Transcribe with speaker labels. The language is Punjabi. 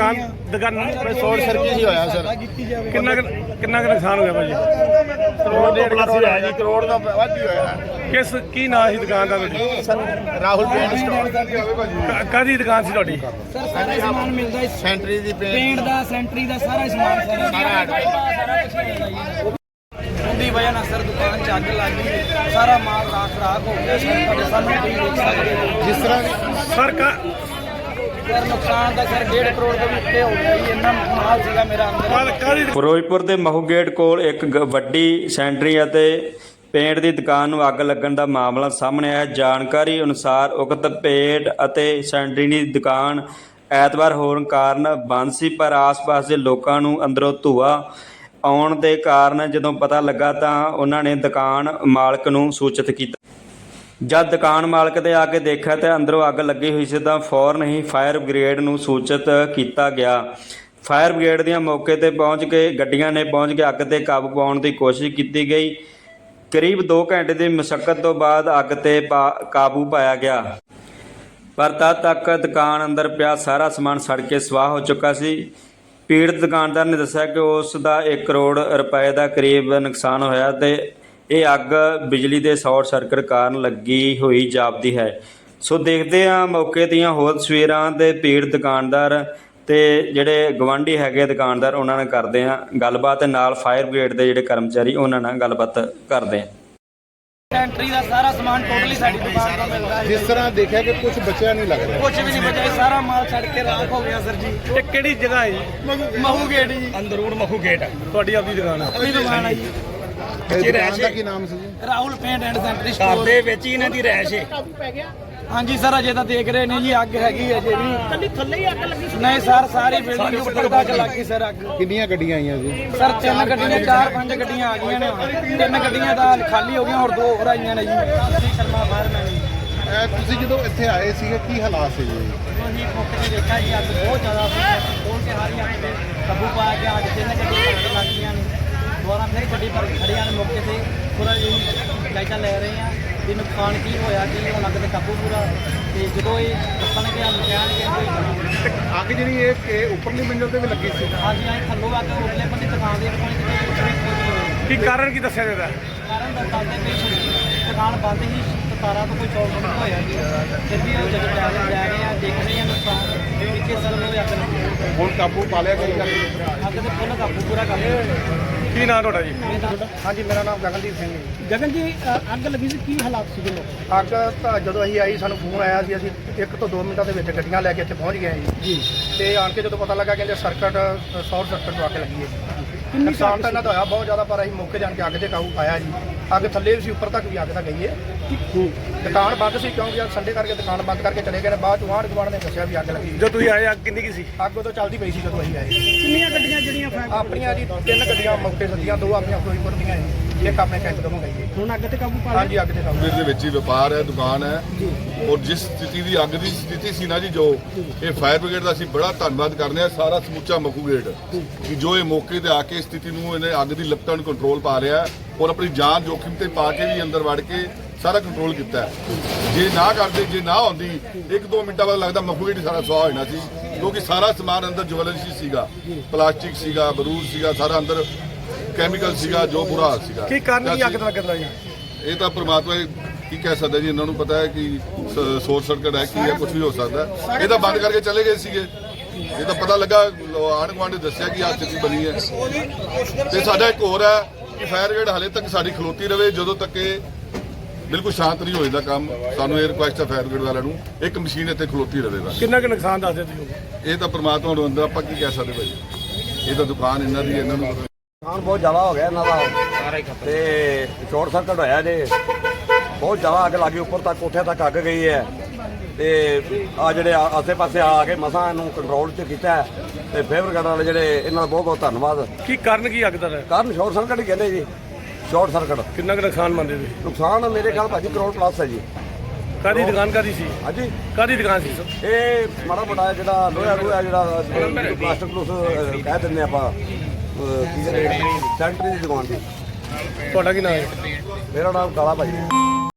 Speaker 1: दुकान
Speaker 2: शॉर्ट सर्किट ही होया सर।
Speaker 1: कितना नुकसान होया भाजी?
Speaker 2: करोड़ डेढ़ करोड़ है जी, करोड़ का वाद ही होया।
Speaker 1: किस की नाम सी दुकान दा तुहाडी?
Speaker 2: Sir Rahul paint store.
Speaker 1: कादी दुकान सी तुहाडी?
Speaker 3: सर सारा समान मिलदा है,
Speaker 2: सेंटरी दी
Speaker 3: पेंट दा सेंटरी दा सारा समान सारा कुछ मिलदा जी। ਉਹਦੀ ਵਜ੍ਹਾ ਨਾਲ ਸਰ ਦੁਕਾਨ 'ਚ ਅੱਗ ਲੱਗ ਗਈ, ਸਾਰਾ ਮਾਲ ਰਾਖ ਹੋ ਗਿਆ। ਸਾਡੇ ਸਾਹਮਣੇ ਤੁਸੀਂ ਦੇਖ ਸਕਦੇ ਹੋ
Speaker 2: जिस तरह
Speaker 1: सरकार
Speaker 3: ਸਰ ਨੁਕਸਾਨ ਦਾ ਸਰ 1.5 ਕਰੋੜ ਤੋਂ ਵੀ ਉੱਤੇ ਹੋ ਗਿਆ ਜੀ। ਇੰਨਾ ਮਾਲ ਸੀਗਾ ਮੇਰਾ ਅੰਦਰ।
Speaker 1: ਕਾਦੀ
Speaker 4: ਫਿਰੋਜ਼ਪੁਰ ਦੇ ਮਹੂ ਗੇਟ ਕੋਲ ਇੱਕ ਵੱਡੀ ਸੈਂਟਰੀ ਅਤੇ ਪੇਂਟ ਦੀ ਦੁਕਾਨ ਨੂੰ ਅੱਗ ਲੱਗਣ ਦਾ ਮਾਮਲਾ ਸਾਹਮਣੇ ਆਇਆ। ਜਾਣਕਾਰੀ ਅਨੁਸਾਰ ਉਕਤ ਪੇਂਟ ਅਤੇ ਸੈਂਟਰੀ ਦੀ ਦੁਕਾਨ ਐਤਵਾਰ ਹੋਣ ਕਾਰਨ ਬੰਦ ਸੀ, ਪਰ ਆਸ-ਪਾਸ ਦੇ ਲੋਕਾਂ ਨੂੰ ਅੰਦਰੋਂ ਧੂੰਆਂ ਆਉਣ ਦੇ ਕਾਰਨ ਜਦੋਂ ਪਤਾ ਲੱਗਾ ਤਾਂ ਉਹਨਾਂ ਨੇ ਦੁਕਾਨ ਮਾਲਕ ਨੂੰ ਸੂਚਿਤ ਕੀਤਾ। ਜਦ ਦੁਕਾਨ ਮਾਲਕ ਦੇ ਆ ਕੇ ਦੇਖਿਆ ਤਾਂ ਅੰਦਰੋਂ ਅੱਗ ਲੱਗੀ ਹੋਈ ਸੀ ਤਾਂ ਫੌਰਨ ਹੀ ਫਾਇਰ ਬ੍ਰਿਗੇਡ ਨੂੰ ਸੂਚਿਤ ਕੀਤਾ ਗਿਆ। ਫਾਇਰ ਬ੍ਰਿਗੇਡ ਦੀਆਂ ਮੌਕੇ ਤੇ ਪਹੁੰਚ ਕੇ ਗੱਡੀਆਂ ਨੇ ਪਹੁੰਚ ਕੇ ਅੱਗ ਤੇ ਕਾਬੂ ਪਾਉਣ ਦੀ ਕੋਸ਼ਿਸ਼ ਕੀਤੀ ਗਈ। ਕਰੀਬ 2 ਘੰਟੇ ਦੀ ਮੁਸ਼ੱਕਤ ਤੋਂ ਬਾਅਦ ਅੱਗ ਤੇ ਕਾਬੂ ਪਾਇਆ ਗਿਆ, ਪਰ ਤਦ ਤੱਕ ਦੁਕਾਨ ਅੰਦਰ ਪਿਆ ਸਾਰਾ ਸਮਾਨ ਸੜ ਕੇ ਸਵਾਹ ਹੋ ਚੁੱਕਾ ਸੀ। ਪੀੜਤ ਦੁਕਾਨਦਾਰ ਨੇ ਦੱਸਿਆ ਕਿ ਉਸ ਦਾ 1 ਕਰੋੜ ਰੁਪਏ ਦਾ ਕਰੀਬ ਨੁਕਸਾਨ ਹੋਇਆ ਤੇ ਇਹ ਅੱਗ ਬਿਜਲੀ ਦੇ ਸ਼ਾਰਟ ਸਰਕਟ ਕਾਰਨ ਲੱਗੀ ਹੋਈ ਜਾਪਦੀ ਹੈ। ਸੋ ਦੇਖਦੇ ਹਾਂ ਮੌਕੇ ਦੀਆਂ ਹੋਰ ਤਸਵੀਰਾਂ ਤੇ ਪੀੜਤ ਦੁਕਾਨਦਾਰ ਤੇ ਜਿਹੜੇ ਗਵਾਂਢੀ ਹੈਗੇ ਦੁਕਾਨਦਾਰ ਉਹਨਾਂ ਨਾਲ ਕਰਦੇ ਹਾਂ ਗੱਲਬਾਤ, ਨਾਲ ਫਾਇਰ ਬ੍ਰਿਗੇਡ ਦੇ ਜਿਹੜੇ ਕਰਮਚਾਰੀ ਉਹਨਾਂ ਨਾਲ ਗੱਲਬਾਤ ਕਰਦੇ ਹਾਂ।
Speaker 3: ਸੈਂਟਰੀ ਦਾ ਸਾਰਾ ਸਮਾਨ ਟੋਟਲੀ ਸਾਡੀ ਦੁਕਾਨ ਤੋਂ ਮਿਲਦਾ ਹੈ।
Speaker 2: जिस तरह देखा कि कुछ बचा नहीं लग रहा।
Speaker 3: ਕੁਝ ਵੀ ਨਹੀਂ ਬਚਿਆ, ਸਾਰਾ ਮਾਲ ਸੜ ਕੇ ਰਾਖ ਹੋ ਗਿਆ ਸਰ ਜੀ।
Speaker 1: ਇਹ ਕਿਹੜੀ ਜਗ੍ਹਾ ਹੈ ਜੀ?
Speaker 3: ਮਹੂ ਗੇਟ ਜੀ,
Speaker 1: ਅੰਦਰ ਮਹੂ ਗੇਟ ਤੁਹਾਡੀ ਆਪਣੀ ਦੁਕਾਨ ਹੈ?
Speaker 3: ਆਪਣੀ ਦੁਕਾਨ ਹੈ ਜੀ।
Speaker 2: दुकान का की नाम से जी?
Speaker 3: Rahul paint and sanitary store ਦੇ ਵਿੱਚ ਹੀ ਇਹਨਾਂ ਦੀ ਰਹਿائش ਹੈ। ਹਾਂਜੀ ਸਰ, ਅਜੇ ਤਾਂ ਦੇਖ ਰਹੇ ਨੇ ਜੀ, ਅੱਗ ਹੈਗੀ ਅਜੇ ਵੀ। ਕੱਲੀ ਥੱਲੇ ਹੀ ਅੱਗ ਲੱਗੀ ਸੀ? ਨਹੀਂ ਸਰ, ਸਾਰੀ ਬਿਲਡਿੰਗ ਉੱਪਰ ਤੱਕ ਲੱਗੀ ਸਰ ਅੱਗ।
Speaker 2: कितनी गड्डियां आई हैं जी?
Speaker 3: ਸਰ 3 ਗੱਡੀਆਂ 4-5 ਗੱਡੀਆਂ ਆ ਗਈਆਂ ਨੇ। 3 ਗੱਡੀਆਂ ਤਾਂ ਖਾਲੀ ਹੋ ਗਈਆਂ, ਹੋਰ 2 ਹੋਰ ਆਈਆਂ ਨੇ ਜੀ। ਸ਼ਰਮਾ ਫਾਇਰਮੈਨ ਜੀ।
Speaker 2: ਤੁਸੀਂ ਜਦੋਂ ਇੱਥੇ ਆਏ ਸੀਗੇ ਕੀ ਹਾਲਾਤ ਸੀ ਜੀ?
Speaker 3: ਅਸੀਂ ਮੌਕੇ ਤੇ ਦੇਖਿਆ ਜੀ, ਅੱਗ ਬਹੁਤ ਜ਼ਿਆਦਾ ਸੀ। ਖੋਲ ਕੇ ਸਾਰੀ ਅੱਗ ਤੇ ਕਾਬੂ ਪਾ ਕੇ ਅੱਗ 3 ਗੱਡੀਆਂ ਅੱਗ ਲੱਗ ਗਈਆਂ ਨੇ। ਦੁਬਾਰਾ ਫਿਰ ਗੱਡੀ ਪਰ ਖੜੀਆਂ ਨੇ ਮੌਕੇ ਤੇ, ਪੂਰਾ ਜੀ ਜਾਇਜ਼ਾ ਲੈ ਰਹੇ ਹਾਂ ਵੀ ਨੁਕਸਾਨ ਕੀ ਹੋਇਆ, ਕੀ ਹੁਣ ਅੱਗ ਤੇ ਕਾਬੂ ਪੂਰਾ। ਤੇ ਜਦੋਂ ਇਹ ਦੱਸਣਗੇ ਕਹਿਣਗੇ
Speaker 2: ਅੱਗ ਜਿਹੜੀ ਇਹ ਉੱਪਰਲੀ ਮੰਜ਼ਿਲ ਤੇ ਵੀ ਲੱਗੀ ਸੀ?
Speaker 3: ਹਾਂਜੀ ਹਾਂ, ਥੱਲੋਂ ਅੱਗ ਉਰਲੇ ਬੰਦੇ ਦੁਕਾਨ ਦੇ ਕੋਲ
Speaker 1: ਕੀ ਕਾਰਨ ਕੀ ਦੱਸਿਆ ਜਾਂਦਾ?
Speaker 3: ਕਾਰਨ ਦੱਸਦੇ ਵੀ ਦੁਕਾਨ ਬੰਦ ਹੀ, ਤਾਰਾਂ ਤੋਂ ਕੋਈ ਸ਼ੌਕ ਨਹੀਂ ਹੋਇਆ ਜੀ। ਫਿਰ ਵੀ ਉਹ ਜਦੋਂ ਜਾ ਰਹੇ ਆ, ਦੇਖ ਰਹੇ ਆ ਨੁਕਸਾਨ ਪਿੱਛੇ ਸਰ ਨੂੰ ਅੱਗ ਲੱਗੀ।
Speaker 2: ਹੁਣ ਕਾਬੂ ਪਾ ਲਿਆ ਗਿਆ?
Speaker 3: ਅੱਗ ਤੇ ਫੁੱਲ ਕਾਬੂ ਪੂਰਾ ਕਰ ਲਿਆ।
Speaker 1: ਕੀ ਨਾਮ ਤੁਹਾਡਾ ਜੀ?
Speaker 2: ਹਾਂਜੀ, ਮੇਰਾ ਨਾਮ ਗਗਨਦੀਪ ਸਿੰਘ ਹੈ।
Speaker 3: ਗਗਨ ਜੀ, ਅੱਗ ਲੱਗੀ ਸੀ, ਕੀ ਹਾਲਾਤ ਸੀਗੇ ਲੋਕ?
Speaker 2: ਅੱਗ ਤਾਂ ਜਦੋਂ ਅਸੀਂ ਆਈ ਸਾਨੂੰ ਫੋਨ ਆਇਆ ਸੀ, ਅਸੀਂ 1 ਤੋਂ 2 ਮਿੰਟਾਂ ਦੇ ਵਿੱਚ ਗੱਡੀਆਂ ਲੈ ਕੇ ਇੱਥੇ ਪਹੁੰਚ ਗਏ ਜੀ। ਤੇ ਆਣ ਕੇ ਜਦੋਂ ਪਤਾ ਲੱਗਾ ਕਹਿੰਦੇ ਸ਼ਾਰਟ ਸਰਕਟ ਤੋਂ ਅੱਗ ਲੱਗੀ ਹੈ। ਨੁਕਸਾਨ ਤਾਂ ਇਹਨਾਂ ਦਾ ਹੋਇਆ ਬਹੁਤ ਜ਼ਿਆਦਾ, ਪਰ ਅਸੀਂ ਮੌਕੇ ਜਾਣ ਕੇ ਅੱਗ ਤੇ ਕਾਬੂ ਪਾਇਆ ਜੀ। ਅੱਗ ਥੱਲੇ ਵੀ ਸੀ, ਉੱਪਰ ਤੱਕ ਵੀ ਅੱਗ ਤਾਂ ਗਈ ਹੈ। ਦੁਕਾਨ ਬੰਦ ਸੀ ਕਿਉਂਕਿ ਅੱਜ ਸੰਡੇ ਕਰਕੇ ਦੁਕਾਨ ਬੰਦ ਕਰਕੇ ਚਲੇ ਗਏ ਨੇ। ਬਾਅਦ ਚ ਆਂਢ ਗੁਆਂਢ ਨੇ ਦੱਸਿਆ ਵੀ ਅੱਗ ਲੱਗੀ।
Speaker 1: ਜਦੋਂ ਤੁਸੀਂ ਆਏ ਅੱਗ ਕਿੰਨੀ ਕੀ ਸੀ?
Speaker 2: ਅੱਗ ਉਦੋਂ ਚੱਲਦੀ ਪਈ ਸੀ ਜਦੋਂ ਅਸੀਂ ਆਏ।
Speaker 3: ਕਿੰਨੀਆਂ ਗੱਡੀਆਂ ਜਿਹੜੀਆਂ
Speaker 2: ਆਪਣੀਆਂ ਜੀ 3 ਗੱਡੀਆਂ ਮੌਕੇ ਸੱਜੀਆਂ, 2 ਆਪਣੀਆਂ ਫਿਰੋਜ਼ਪੁਰ ਦੀਆਂ ਜੀ, ਇੱਕ ਆਪਣੇ ਕੈਂਟ ਤੋਂ ਮੰਗਾਈ।
Speaker 3: ਹੁਣ ਅੱਗ ਤੇ ਕਾਬੂ ਪਾ
Speaker 2: ਹਾਂਜੀ, ਅੱਗ ਤੇ ਕਾਬੂ।
Speaker 5: ਦੇ ਵਿੱਚ ਹੀ ਵਪਾਰ ਹੈ, ਦੁਕਾਨ ਹੈ, ਔਰ ਜਿਸ ਸਥਿਤੀ ਦੀ ਅੱਗ ਦੀ ਸਥਿਤੀ ਸੀ ਨਾ ਜੀ, ਜੋ ਇਹ ਫਾਇਰ ਬ੍ਰਿਗੇਡ ਦਾ ਅਸੀਂ ਬੜਾ ਧੰਨਵਾਦ ਕਰਦੇ ਹਾਂ, ਸਾਰਾ ਸਮੁੱਚਾ ਮਖੂ ਗੇਟ ਕਿ ਜੋ ਇਹ ਮੌਕੇ ਤੇ ਆ ਕੇ ਸਥਿਤੀ ਨੂੰ ਇਹਨੇ ਅੱਗ ਦੀ ਲਪਟਾਂ ਨੂੰ ਕੰਟਰੋਲ ਪਾ ਰਿਹਾ ਔਰ ਆਪਣੀ ਜਾਨ ਜੋਖਿਮ ਤੇ ਪਾ ਕੇ ਵੀ ਅੰਦਰ ਵੜ ਕੇ ਸਾਰਾ ਕੰਟਰੋਲ ਕੀਤਾ। ਜੇ ਨਾ ਕਰਦੇ, ਜੇ ਨਾ ਹੁੰਦੀ 1-2 ਮਿੰਟਾਂ ਬਾਅਦ ਲੱਗਦਾ ਮਖੂ ਗੇਟ ਸਾਰਾ ਸੁਆਹ ਹੋਣਾ ਸੀ, ਕਿਉਂਕਿ ਸਾਰਾ ਸਮਾਨ ਅੰਦਰ ਜਵੈਲਰੀ ਸੀਗਾ, ਪਲਾਸਟਿਕ ਸੀਗਾ, ਬਰੂਦ ਸੀਗਾ, ਸਾਰਾ ਅੰਦਰ ਕੈਮੀਕਲ ਸੀਗਾ, ਜੋ ਬੁਰਾ ਹਾਲ ਸੀਗਾ।
Speaker 1: ਕੀ ਕਾਰਨ ਕੀ ਅੱਗ ਦਾ ਲੱਗਦਾ ਜੀ?
Speaker 5: ਇਹ ਤਾਂ ਪ੍ਰਮਾਤਮਾ ਕੀ ਕਹਿ ਸਕਦਾ ਜੀ, ਇਹਨਾਂ ਨੂੰ ਪਤਾ ਹੈ ਕਿ ਸ਼ੋਰਟ ਸਰਕਟ ਹੈ, ਕੀ ਹੈ, ਕੁਝ ਵੀ ਹੋ ਸਕਦਾ। ਇਹ ਤਾਂ ਬੰਦ ਕਰਕੇ ਚਲੇ ਗਏ ਸੀਗੇ। ਇਹ ਤਾਂ ਪਤਾ ਲੱਗਾ, ਆਂਢ ਗੁਆਂਢ ਨੇ ਦੱਸਿਆ ਕਿ ਆਹ ਸਥਿਤੀ ਬਣੀ ਹੈ। ਤੇ ਸਾਡਾ ਇੱਕ ਹੋਰ ਹੈ ਕਿ ਫਾਇਰ ਬ੍ਰਿਗੇਡ ਹਾਲੇ ਤੱਕ ਸਾਡੀ ਖਲੋਤੀ ਰਵੇ, ਜਦੋਂ ਤੱਕ ਇਹ ਬਿਲਕੁਲ ਸ਼ਾਂਤ ਨਹੀਂ ਹੋ ਜਾਂਦਾ ਕੰਮ। ਸਾਨੂੰ ਇਹ ਰਿਕੁਐਸਟ ਹੈ ਫਾਇਰ ਬ੍ਰਿਗੇਡ ਵਾਲਿਆਂ ਨੂੰ, ਇੱਕ ਮਸ਼ੀਨ ਇੱਥੇ ਖਲੋਤੀ ਰਵੇ ਬਸ।
Speaker 1: ਕਿੰਨਾ ਕੁ ਨੁਕਸਾਨ ਦੱਸਦੇ ਤੁਸੀਂ?
Speaker 5: ਇਹ ਤਾਂ ਪ੍ਰਮਾਤਮਾ ਨੂੰ ਅੰਦਰ ਆਪਾਂ ਕੀ ਕਹਿ ਸਕਦੇ ਭਾਈ, ਇਹ ਤਾਂ ਦੁਕਾਨ ਇਹਨਾਂ ਦੀ, ਇਹਨਾਂ ਨੂੰ
Speaker 6: ਨੁਕਸਾਨ ਬਹੁਤ ਜ਼ਿਆਦਾ ਹੋ ਗਿਆ ਇਹਨਾਂ ਦਾ। ਤੇ ਸ਼ਾਰਟ ਸਰਕਟ ਹੋਇਆ ਜੇ, ਬਹੁਤ ਜ਼ਿਆਦਾ ਅੱਗ ਲੱਗੀ, ਉੱਪਰ ਤੱਕ ਕੋਠੇ ਤੱਕ ਅੱਗ ਗਈ ਹੈ। ਤੇ ਆ ਜਿਹੜੇ ਆਸੇ ਪਾਸੇ ਆ ਕੇ ਮਸਾਂ ਇਹਨੂੰ ਕੰਟਰੋਲ 'ਚ ਕੀਤਾ ਹੈ। ਤੇ ਫਾਇਰ ਬ੍ਰਿਗੇਡ ਵਾਲੇ ਜਿਹੜੇ, ਇਹਨਾਂ ਦਾ ਬਹੁਤ ਬਹੁਤ ਧੰਨਵਾਦ।
Speaker 1: ਕੀ ਕਾਰਨ ਕੀ ਅੱਗ ਦਾ ਹੈ?
Speaker 6: ਕਾਰਨ ਸ਼ਾਰਟ ਸਰਕਟ ਹੀ ਕਹਿੰਦੇ ਜੀ, ਸ਼ਾਰਟ ਸਰਕਟ।
Speaker 1: ਕਿੰਨਾ ਕੁ ਨੁਕਸਾਨ ਮੰਨਦੇ ਤੁਸੀਂ?
Speaker 6: ਨੁਕਸਾਨ ਮੇਰੇ ਖਿਆਲ ਭਾਜੀ ਕਰੋੜ ਪਲੱਸ ਹੈ ਜੀ।
Speaker 1: ਕਾਦੀ ਦੁਕਾਨ ਕਾਦੀ ਸੀ?
Speaker 6: ਹਾਂਜੀ,
Speaker 1: ਕਾਦੀ ਦੁਕਾਨ ਸੀ?
Speaker 6: ਇਹ ਮਾੜਾ ਮੋਟਾ ਜਿਹੜਾ ਲੋਹਾ ਜਿਹੜਾ ਪਲਾਸਟਿਕ ਪਲੂਸ ਕਹਿ ਦਿੰਦੇ ਆਪਾਂ, ਕੀ ਕਹਿੰਦੇ, ਸੈਂਟਰੀ ਦੀ ਦੁਕਾਨ ਦੀ।
Speaker 1: ਤੁਹਾਡਾ ਕੀ ਨਾਮ ਹੈ?
Speaker 6: ਮੇਰਾ ਨਾਮ ਕਾਲਾ ਭਾਜੀ।